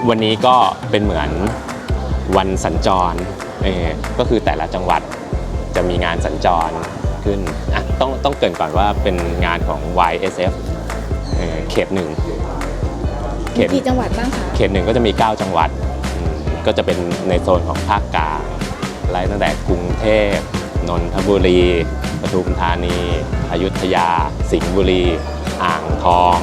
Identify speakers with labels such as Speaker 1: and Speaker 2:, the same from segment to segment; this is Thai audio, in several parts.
Speaker 1: วันนี้ก็เป็นเหมือนวันสัญจรก็คือแต่ละจังหวัดจะมีงานสัญจรขึ้นต้องเกริ่นก่อนว่าเป็นงานของ YSF เขตหนึ่ง
Speaker 2: กี่จังหวัดบ้างคะ
Speaker 1: เขตหนึ่งก็จะมี9จังหวัดก็จะเป็นในโซนของภาคกลางไล่ตั้งแต่กรุงเทพนนทบุรีปทุมธานีอยุธยาสิงห์บุรีอ่างทอง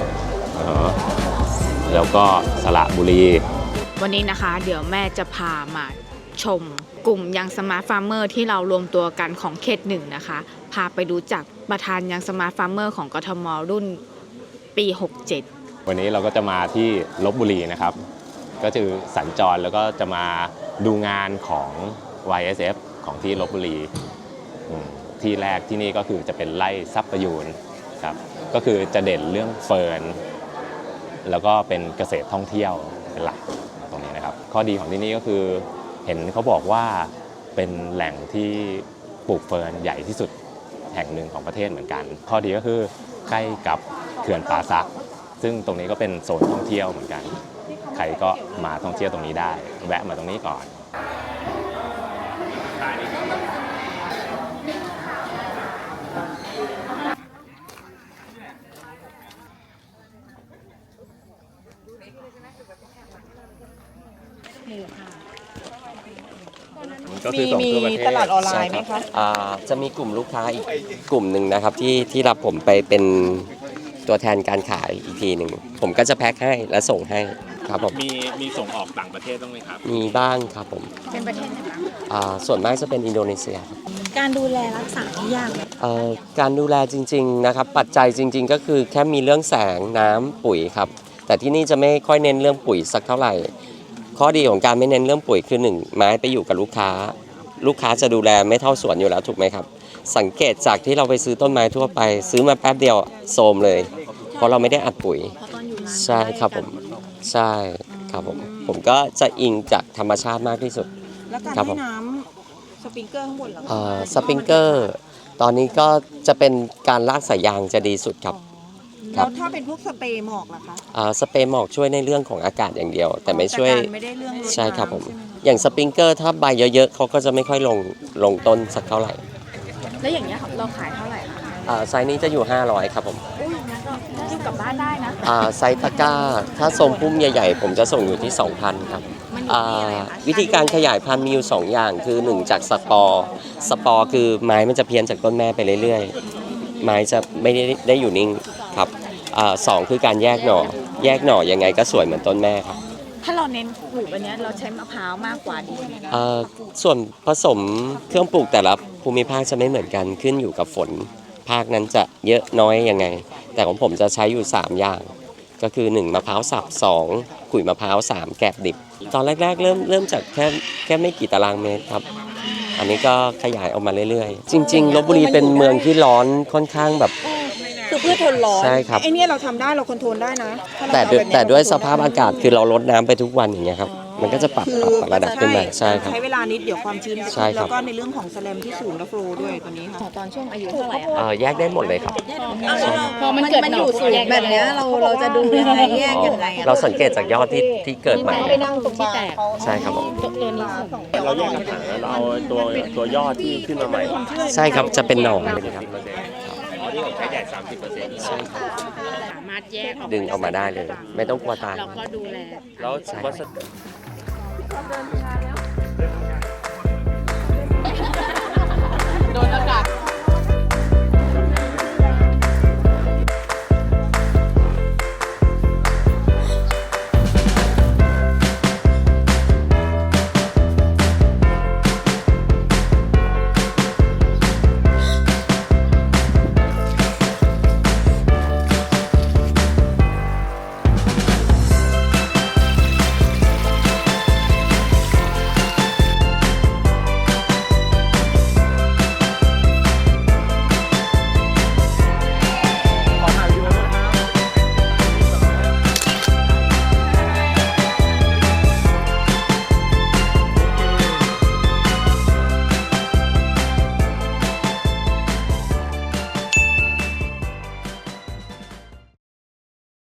Speaker 1: แล้วก็สระบุรี
Speaker 2: วันนี้นะคะเดี๋ยวแม่จะพามาชมกลุ่มยังสมาร์ทฟาร์มเมอร์ที่เรารวมตัวกันของเขตหนึ่งนะคะพาไปดูจากประธานยังสมาร์ทฟาร์มเมอร์ของกทมรุ่นปี67
Speaker 1: วันนี้เราก็จะมาที่ลพบุรีนะครับก็คือสัญจรแล้วก็จะมาดูงานของ YSF ของที่ลพบุรีที่แรกที่นี่ก็คือจะเป็นไร่ทรัพย์ประยูนครับก็คือจะเด่นเรื่องเฟิร์นแล้วก็เป็นเกษตรท่องเที่ยวเป็นหลักตรงนี้นะครับข้อดีของที่นี่ก็คือเห็นเขาบอกว่าเป็นแหล่งที่ปลูกเฟิร์นใหญ่ที่สุดแห่งหนึ่งของประเทศเหมือนกันข้อดีก็คือใกล้กับเขื่อนป่าสักซึ่งตรงนี้ก็เป็นโซนท่องเที่ยวเหมือนกันใครก็มาท่องเที่ยวตรงนี้ได้แวะมาตรงนี้ก่อน
Speaker 3: มีตลาดออนไลน์ไหมคะ
Speaker 4: จะมีกลุ่มลูกค้าอีกกลุ่มหนึ่งนะครับที่รับผมไปเป็นตัวแทนการขายอีกทีหนึ่งผมก็จะแพ็คให้และส่งให้ครับผม
Speaker 1: มีส่งออกต่างประเทศต้องไหมครับ
Speaker 4: มีบ้างครับผม
Speaker 2: เป็นประเทศไหนบ้าง
Speaker 4: ส่วนมากจะเป็นอินโดนีเซียครับ
Speaker 2: การดูแลรักษาที่ยากไหม
Speaker 4: การดูแลจริงๆนะครับปัจจัยจริงๆก็คือแค่มีเรื่องแสงน้ำปุ๋ยครับแต่ที่นี่จะไม่ค่อยเน้นเรื่องปุ๋ยสักเท่าไหร่ข้อดีของการไม่เน้นเรื่องปุ๋ยคือ1ไม้ไปอยู่กับลูกค้าจะดูแลไม่เท่าสวนอยู่แล้วถูกไหมครับสังเกตจากที่เราไปซื้อต้นไม้ทั่วไปซื้อมาแป๊บเดียวโทรมเลยเพราะเราไม่ได้อัดปุ๋ยใช่ครับผมใช่ครับผมก็จะอิงจากธรรมชาติมากที่สุด
Speaker 3: แล้วการให้น้ำสปริงเกอร์ข้างบนเหรอ
Speaker 4: สปริงเกอร์ตอนนี้ก็จะเป็นการลากสายยางจะดีสุดครับ
Speaker 3: แล้วถ้าเป็นพวกสเปรย์หมอกล่ะคะ
Speaker 4: สเปรย์หมอกช่วยในเรื่องของอากาศอย่างเดียวแต่ไม่ช่วย
Speaker 3: ไม่ได้เรื่อง
Speaker 4: ใช่ครับผมอย่างสปริงเกอร์ถ้าใบเยอะๆเขาก็จะไม่ค่อยลงต้นสักเท่าไหร่
Speaker 2: แล้วอย่างเงี้ยเราขายเท่าไหร่คะ
Speaker 4: ไซส์นี้จะอยู่500ครับผม
Speaker 2: ซื้อกลับบ้านได้นะ
Speaker 4: ไซส์ตะกร้าถ้าทรงพุ่มใหญ่ๆผมจะส่งอยู่ที่ 2,000 ครับวิธีการขยายพันธุ์มีอยู่2อย่างคือ1จากสปอร์คือไม้มันจะเพี้ยนจากต้นแม่ไปเรื่อยๆไม้จะไม่ได้อยู่นิ่งครับ2คือการแยกหน่อยังไงก็สวยเหมือนต้นแม่ครับ
Speaker 2: ถ้าเราเน้นปลูกอันนี้เราใช้มะพร้าวมากกว่าดี
Speaker 4: ส่วนผสมเครื่องปลูกแต่ละภูมิภาคจะไม่เหมือนกันขึ้นอยู่กับฝนภาคนั้นจะเยอะน้อยยังไงแต่ของผมจะใช้อยู่3อย่างก็คือ1มะพร้าวสับ2ขุยมะพร้าว3แกบดิบตอนแรกๆเริ่มจากแค่ไม่กี่ตารางเมตรครับอันนี้ก็ขยายออกมาเรื่อยๆจริงๆลพบุรีเป็นเมืองที่ร้อนค่อนข้างแบบ
Speaker 3: คือพืชทนร้อน
Speaker 4: ใช่ครับ
Speaker 3: ไอ้นี่เราทำได้เราคอนโทรลได้นะ
Speaker 4: แต่ด้วยสภาพอากาศคือเราลดน้ำไปทุกวันอย่างเงี้ยครับมันก็จะปรับระดับขึ้นมาใช่ครับ
Speaker 3: ใช้เวลานิดเดี๋ยวความชื้นจะแล้วก็ในเรื่องของแสลมที่สูงและโฟลด้วยตัวนี้ค่ะ
Speaker 2: ตอนช่วงอายุเท่าไหร่
Speaker 4: แยกได้หมดเลยครับ
Speaker 2: พอมันเกิดอยู่สูงแบบนี้เราจะดูยังไงแยกยังไง
Speaker 4: เราสังเกตจากยอดที่เกิดใหม่
Speaker 2: ไปนั่งตรงที่แตก
Speaker 4: ใช่ครับผม
Speaker 1: เราแยกกระถางแล้วเราเอาตัวยอดที่ขึ้นมาใหม่
Speaker 4: ใช่ครับจะเป็นหน่อครับ
Speaker 1: ที่ของใช้ใหญ่ 30%
Speaker 4: ใช่
Speaker 2: สามารถแยก
Speaker 4: ดึงออกมาได้เลยไม่ต้องกลัวตาย
Speaker 2: เราก็ดูแล
Speaker 1: แล้ววัสดุ
Speaker 2: โดนอากาศ